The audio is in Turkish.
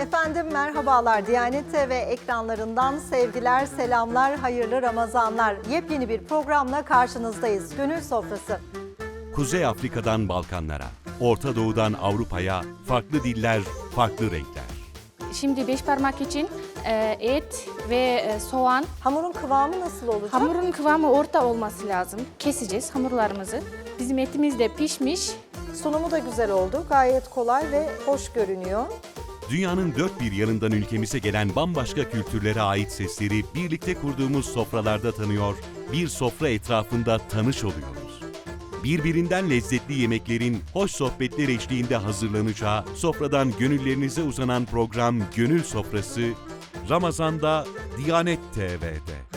Efendim merhabalar. Diyanet TV ekranlarından sevgiler, selamlar, hayırlı Ramazanlar. Yepyeni bir programla karşınızdayız. Gönül Sofrası. Kuzey Afrika'dan Balkanlara, Orta Doğu'dan Avrupa'ya farklı diller, farklı renkler. Şimdi beş parmak için et ve soğan. Hamurun kıvamı nasıl olacak? Hamurun kıvamı orta olması lazım. Keseceğiz hamurlarımızı. Bizim etimiz de pişmiş. Sunumu da güzel oldu. Gayet kolay ve hoş görünüyor. Dünyanın dört bir yanından ülkemize gelen bambaşka kültürlere ait sesleri birlikte kurduğumuz sofralarda tanıyor, bir sofra etrafında tanış oluyoruz. Birbirinden lezzetli yemeklerin hoş sohbetler eşliğinde hazırlanacağı sofradan gönüllerinize uzanan program Gönül Sofrası, Ramazan'da Diyanet TV'de.